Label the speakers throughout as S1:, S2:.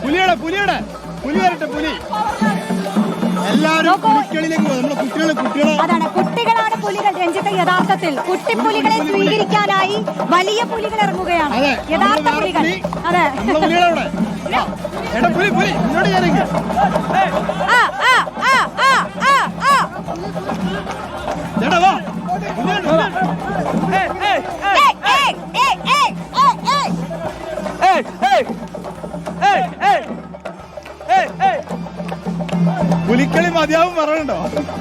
S1: പുലി വരട്ടെ, പുലി. എല്ലാവരും പുലിക്കളിയിലേക്ക് പോകും. നമ്മളെ കുട്ടികളെ
S2: അതാണ്, കുട്ടികളാണ് പുലികൾ. രഞ്ജിത്ത്, യഥാർത്ഥത്തിൽ കുട്ടിപ്പുലികളെ സ്വീകരിക്കാനായി വലിയ പുലികൾ ഇറങ്ങുകയാണ്. യഥാർത്ഥ പുലികൾ. അതെ,
S1: പുലികളവിടെ. പുലി ഇങ്ങോട്ട് കയറിക്ക്. ചേട്ടാ വാ. പുലിക്കളി മതിയാവും പറയണ്ടോ?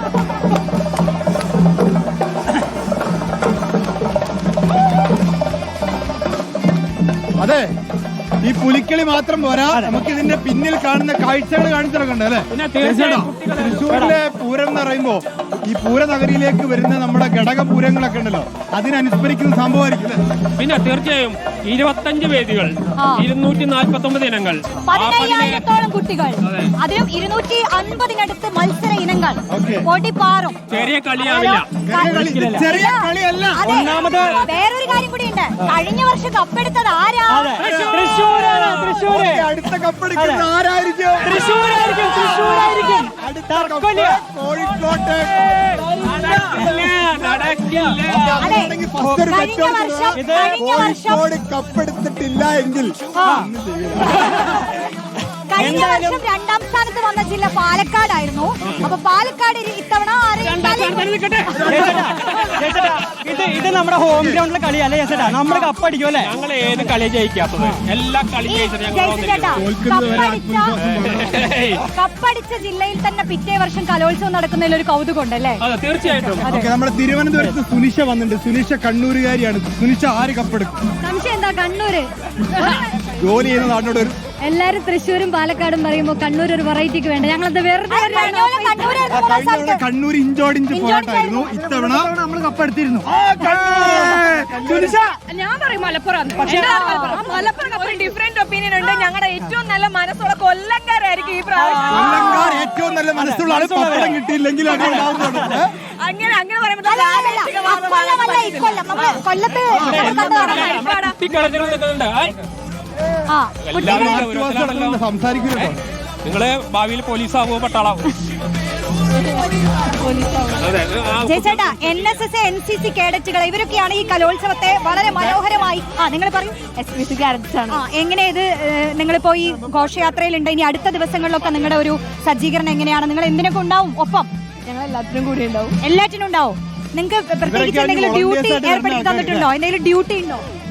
S1: അതെ, ഈ പുലിക്കളി മാത്രം പോരാ, നമുക്ക് ഇതിന്റെ പിന്നിൽ കാണുന്ന കാഴ്ചകൾ കാണിച്ചിറക്കണ്ടേ അല്ലെ? തൃശ്ശൂരിലെ പൂരം എന്ന് പറയുമ്പോ ഈ പൂരനഗരിയിലേക്ക് വരുന്ന നമ്മുടെ ഘടകപൂരങ്ങളൊക്കെ ഉണ്ടല്ലോ, അതിനനുസ്മരിക്കുന്ന സംഭവമായിരിക്കും.
S3: പിന്നെ തീർച്ചയായും 25 വേദികൾ, 249 ഇനങ്ങൾ,
S2: 15,000-ഓളം കുട്ടികൾ, അതിലും 250-നടുത്ത് മത്സര ഇനങ്ങൾ. പൊടിപ്പാറും
S3: ചെറിയ കളിയാവില്ല.
S1: ചെറിയ കളിയല്ല.
S2: ഒന്നാമത് വേറൊരു കാര്യം കൂടിയുണ്ട്. കഴിഞ്ഞ വർഷം കപ്പെടുത്തത് ആരാ?
S1: അടുത്ത കപ്പെടുക്കുന്നത് ആരായിരിക്കും?
S4: തൃശ്ശൂരായിരിക്കും.
S1: കോഴിക്കോട്ട്. കോഴിക്കോട് കപ്പെടുത്തിട്ടില്ല എങ്കിൽ
S2: കഴിഞ്ഞ വർഷം 2ാം സ്ഥാനത്ത് വന്ന ജില്ല പാലക്കാടായിരുന്നു. അപ്പൊ പാലക്കാട് ഇത്തവണ
S4: ഇത് നമ്മുടെ ഹോം ഗ്രൗണ്ടിലെ കളിയല്ലേ ചേട്ടാ? നമ്മുടെ കപ്പടിക്കും അല്ലേ?
S3: ഞങ്ങൾ ഏത് കളി ജയിക്കാത്തത്? എല്ലാ കളി
S2: കപ്പടിച്ച ജില്ലയിൽ തന്നെ പിറ്റേ വർഷം കലോത്സവം നടക്കുന്നതിൽ ഒരു കൗതുകമുണ്ട് അല്ലേ?
S3: തീർച്ചയായിട്ടും.
S1: നമ്മുടെ തിരുവനന്തപുരത്ത് സുനിഷ വന്നിട്ടുണ്ട്. സുനിഷ കണ്ണൂരുകാരിയാണ്. സുനിഷ ആര് കപ്പെടുക്കും?
S2: സംശയം എന്താ? കണ്ണൂര്
S1: ജോലി ചെയ്യുന്ന നാട്ടിനോട്
S2: എല്ലാരും തൃശ്ശൂരും പാലക്കാടും പറയുമ്പോ കണ്ണൂർ ഒരു വെറൈറ്റിക്ക് വേണ്ട. ഞങ്ങളത് വെറുതെ
S1: കണ്ണൂർ ഇഞ്ചോടിഞ്ച് പോരാട്ടായിരുന്നു. ഇത്തവണ നമ്മൾ കപ്പെടുത്തിരുന്നു.
S5: ഞാൻ പറയും മലപ്പുറം. മലപ്പുറം ഡിഫറെന്റ് ഒപ്പീനിയൻ ഉണ്ട്. ഞങ്ങളുടെ ഏറ്റവും നല്ല മനസ്സുള്ള കൊല്ലംകാരായിരിക്കും ഈ പ്രാവശ്യം.
S1: കൊല്ലംകാർ ഏറ്റവും നല്ല മനസ്സുള്ള ആള് പപ്പടം കിട്ടിയില്ലെങ്കിൽ
S5: അങ്ങനെ പറയുമ്പോൾ
S1: സംസാരിക്കുന്നുണ്ടോ?
S3: നിങ്ങള് ഭാവിയിൽ പോലീസാവോ പട്ടാളാവോ?
S2: ചേട്ടാ, NSS NCC കേഡറ്റുകൾ ഇവരൊക്കെയാണ് ഈ കലോത്സവത്തെ വളരെ മനോഹരമായി. നിങ്ങൾ പറയൂ. എങ്ങനെ ഇത് നിങ്ങളിപ്പോ ഈ ഘോഷയാത്രയിലുണ്ട്, ഇനി അടുത്ത ദിവസങ്ങളിലൊക്കെ നിങ്ങളുടെ ഒരു സജ്ജീകരണം എങ്ങനെയാണ്? നിങ്ങൾ എന്തിനൊക്കെ ഉണ്ടാവും ഒപ്പം?
S5: ഞങ്ങൾ എല്ലാത്തിനും കൂടി ഉണ്ടാവും.
S2: എല്ലാറ്റിനും ഉണ്ടാവും. നിങ്ങൾക്ക് പ്രത്യേകിച്ച് എന്തെങ്കിലും ഡ്യൂട്ടി ഏർപ്പെടുത്തി തന്നിട്ടുണ്ടോ? എന്തെങ്കിലും ഡ്യൂട്ടി ഉണ്ടോ?